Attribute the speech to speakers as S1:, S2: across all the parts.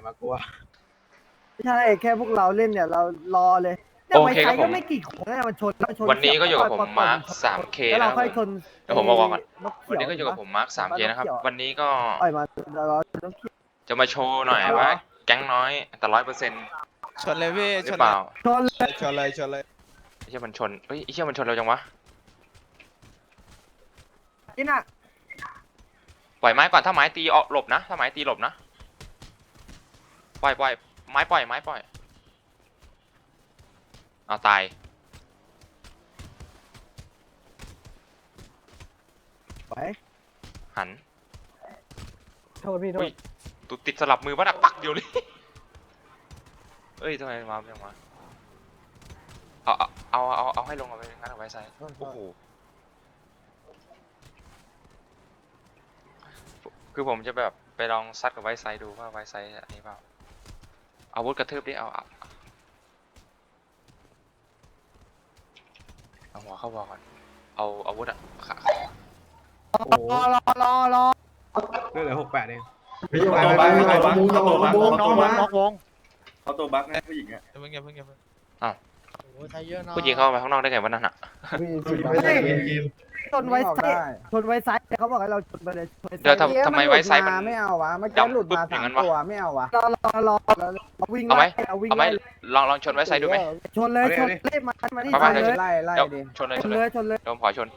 S1: มากลัว
S2: ไม่ใช่แค่พวกเราเล่นเนี่ยเรารอเลยแต่
S3: โอ
S2: ไว
S3: เค
S2: ไซ
S3: ครับผม
S2: ก็ไม่กี่คนนะมันชน
S3: วันนี้ก็อยู่กับผมมาร์ค 3K
S2: แล้วเรา
S3: นะครับ
S2: ค่อยชน
S3: เดี๋ยวผมบอกก่อน
S2: นก
S3: วัน
S2: เขียว
S3: นี้ก็อยู่กับผมมาร์ค 3K นะครับ วันนี้ก็
S2: ปล่อยมาเรานกเขียว
S3: จะมาโชว์หน่อยว่าแก๊งน้อยแต่100%
S4: ชนเลยพี่
S3: ห
S4: ช
S3: รื
S4: น
S3: อเปล่า
S2: ชนเลย
S4: ชนเลยชนเลย
S3: ไอ้เชี่ยมันชนเฮ้ยไอ้เชี่ยมันชนเราจังวะ
S2: นี่น่ะ
S3: ปล่อยไม้ก่อนถ้าไม้ตีออกหลบนะถ้าไม้ตีหลบนะปล่อยไม้ปล่อยเอาตาย
S2: ไป
S3: หัน
S2: โทษพี่โท
S3: อุ้
S2: ษ
S3: ยตุดติดสลับมือวะน่ะปักเดียวเลยเอ้ยทำไมมาไม่มาเอาให้ลงเอาไปงั้นเอาไว้ใส่โอ้โหคือผมจะแบบไปลองซัดกับไวไซด์ดูว่าไวไซด์อันนี้เปล่าอาวุธกระทืบดิเอาหัวเข้าบอลก่อนเอาอาวุธอะขา
S1: โอ้โห
S2: รอ
S1: เรื่องเหลือ68เอง
S5: พี่ไปมุ้งน้องมา
S6: เขาตัวบั๊กนะผู้หญิงอ่ะ
S4: อย่าเพิ่งอย่าเพิ่งอย่าเพิ่ง
S3: ผู้หญิงเข้าไปข้างนอกได้ไงวะนั่นอะ
S2: ชนไวไซชนไวไซเขาบอกให้เราชนไปเลย
S3: เดี๋ยวทำไมไวไซด์มัน
S5: ไม่เอาวะเมื่อกี้หลุดมา
S3: อย่างนั้
S5: 3
S3: นวะ
S5: ตัวไม่เอาวะ
S2: รอวิ่ง
S3: เอาไหม
S2: เอาวิ่ง
S3: เอาไหมลองชนไวไซด์ดูไหม
S2: ชนเลยชนเลยมาที่
S3: ไป
S2: ชนเลย
S5: ไล่
S3: เดี๋ยว
S5: ดิ
S3: ชนเลย
S2: ชนเลยชนเลย
S3: เดี๋ยวผมขอชน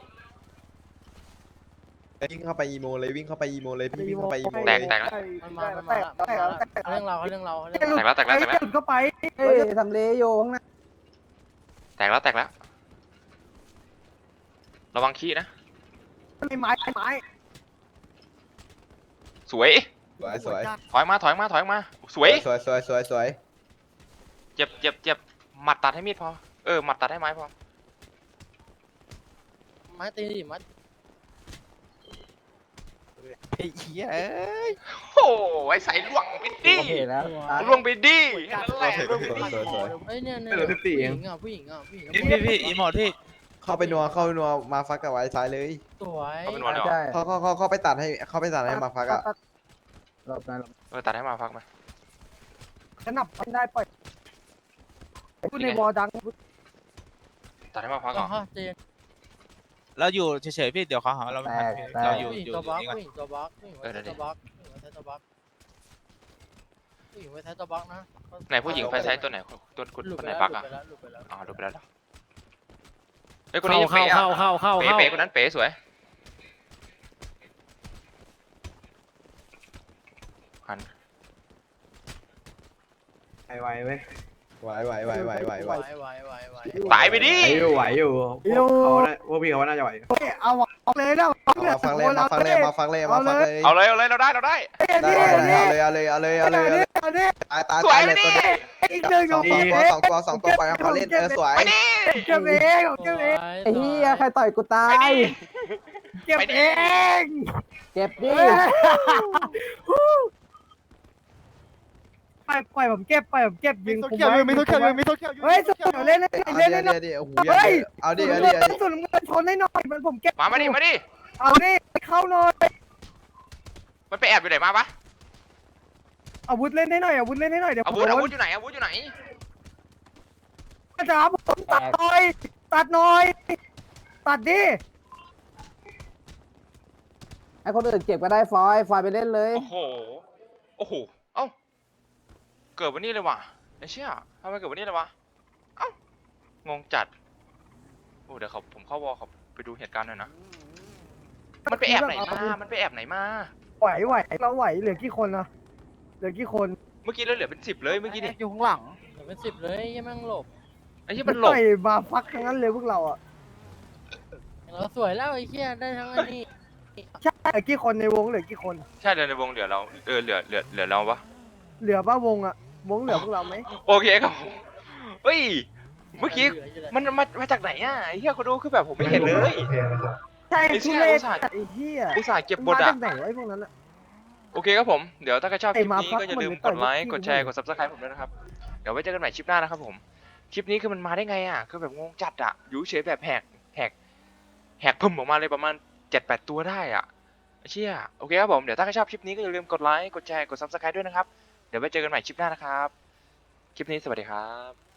S4: วิ่งเข้าไปอีโมเลยวิ่งเข้าไปอีโมเลยพี่วิ่งเข้าไปอีโม
S3: แต
S4: เลย
S3: กแล้ว
S2: เรื่องเรา
S3: แตกแล้ว
S2: หลุดเข้าไป
S5: เฮ้ยทำเลโยข้างหน้า
S3: แตกแล้วระวังขี้นะ
S2: ไม้
S3: สวย
S4: สวย
S3: ถอยมาสวย
S4: สวยสวย
S3: เจ็บหมัดตัดให้มีดพอหมัดตัดให้ไม้พอ
S7: ไม้ตีดิไม้
S4: ไอ้เหี้ยเอ้ย
S3: โอ้ไว้ใส่ล่วงไปดิ
S5: โอเคแล้ว
S3: ล่วงไปดินั่นแหละล่วงไปดิ
S7: เอ้ยเนี่ย
S1: เหลือ14เอง
S7: ผู้หญิงอ่ะ
S4: พี่อีโมพี่เข้าไปนัวมาฟักกับไว้ซ้ายเลย
S7: สวย
S3: เขาเป็นวันเหรอ
S5: ใช่
S4: เขาไปตัดให้มาฟักอะ
S5: หลบนะ
S3: ตัดให้มาพักไหม
S2: ขนับได้ปล่อยพูดในวอดัง
S3: ตัดให้มาพักเหรอ
S7: ฮะเจน
S4: เราอยู่เฉยๆพี่เดี๋ยวเขาหาเราไม่ทันเราอยู่
S7: ผู้หญิง
S4: อยู่
S7: ตัวบั๊ก
S4: นี่ก่อน
S7: ผู้หญิงตัวบั๊กผู้หญิงไว้ตัวบั๊กผู้หญิงไว้ใช้ตัวบั๊กนะ
S3: ไหนผู้หญิงไฟใช้ตัวไหนตัว
S7: หลุด
S3: คน
S7: ไป
S3: ไหน
S7: แล้ว
S3: ปัก
S7: หลุ
S3: อ่ะ
S7: ดไปแล้วหลุดไปแล้ว
S3: อ๋อดูไปแล้วเฮ้ยคนนี้ยังเป๋อะเป๋คนนั้นเป๋สวยหัน
S1: ไวเว้ย
S4: ไหว
S3: ตายไปดิ
S1: ไหวอยู่พวกพี่เขาว่าน่าจะไหว
S2: เอาเลยนะ
S4: มาฟังเลยมาฟังเลย
S3: เอาเลยเราได้
S4: ได้เอาเลยตาย
S3: สวย
S4: เลย
S3: ดิ
S4: ตัวนี้
S2: อีกหนึ่ง
S4: สองตัวไปเขาเล่นสวย
S3: ไปดิ
S2: เก็บเองเก็บเอง
S5: ไอ้เหี้ยใครต่อยกูตา
S3: ไป
S5: ย
S3: ดิ
S2: เก็บเอง
S5: เก็บดิ
S2: ปล่อยผมเก็บยิงผม
S5: มีตัวเขียว
S2: เฮ้ยสุดเล่น
S4: เอา
S2: เล่น
S4: ดิโอ้โหเอาดิ
S2: สุดมันชนให้หน่อยมันผมเก็บ
S3: มาดิ
S2: เอาดิเข้าหน่อย
S3: มันไปแอบอยู่ไหนมาปะ
S2: อาวุธเล่นให้หน่อยอาวุธเล่นให้หน่อยเดี๋ยว
S3: อาวุธอยู่ไหนอาวุธอยู่ไหน
S2: จ๋าผมตัดหน่อยตัดดิ
S5: ไอ้คนอื่นเก็บก็ได้ฟอยไปเล่นเลย
S3: โอ้โหเอ้าเกิดวันนี้เลยว่ะไอ้เชี่ยทำไมเกิดวันนี้เลยวะเอ้างงจัดโอ้เดี๋ยวผมเข้าวอลเขาไปดูเหตุการณ์หน่อยนะมันไปแอบไหนมา
S2: ไหวเราไหวเหลือกี่คนนะเหลือกี่คน
S3: เมื่อกี้เราเหลือเป็น10เลยเมื่อกี้นี่
S7: อยู่ข้างหลังเป็น10เลยยังแม่งหลบ
S3: ไอ้ที่มันหลบ
S2: ต่อยมาฟักทั้งนั้นเลยพวกเราอ่ะ
S7: เราสวยแล้วไอ้เหี้ยได้ทั้งอันนี้
S2: ใช่เหลือกี่คนในวงเหลือกี่คน
S3: ใช่เดี๋ยวในวงเหลือเราเหลือเราปะ
S2: เหลือป่ะวงอ่ะวงเหลือพวกเราไหม
S3: โอเคครับเฮ้ยเมื่อกี้มันมาจากไหนอ่ะไอ้เหี้ยเขาดูคือแบบผมไม่เห็นเลย
S2: ใช่
S3: ไอ้เชี่
S2: ทุ
S3: ย
S2: เร
S3: อุ
S2: ศ
S3: ตส่าห์
S2: ไอ้เหี้ย
S3: อุตส่าห์เก็บบท
S2: มา
S3: อ่ะ
S2: จากไหนวะไอ้พวกนั้นอ่ะ
S3: โอเคครับผมเดี๋ยวถ้าใครชอบคลิปนี้
S2: ไอ้มาพัก
S3: ก็อย่าลืม
S2: มัน
S3: กดไลค์
S2: ต่อย
S3: กดแชร์
S2: ที่
S3: กด subscribe ผมด้วยนะครับเดี๋ยวไว้เจอกันใหม่คลิปหน้านะครับผมคลิปนี้คือมันมาได้ไงอ่ะคือแบบงงจัดอ่ะอยู่เฉยแบบแหกพุ่มออกมาเลยประมาณ 7-8 ตัวได้อ่ะเชี่ยโอเคครับผมเดี๋ยวถ้าใครชอบคลิปนี้ก็อย่าลืมกดไลค์กดแชร์กด subscribe ด้วยนะครับเดี๋ยวไว้เจอกันใหม่คลิปหน้านะครับ คลิปนี้สวัสดีครับ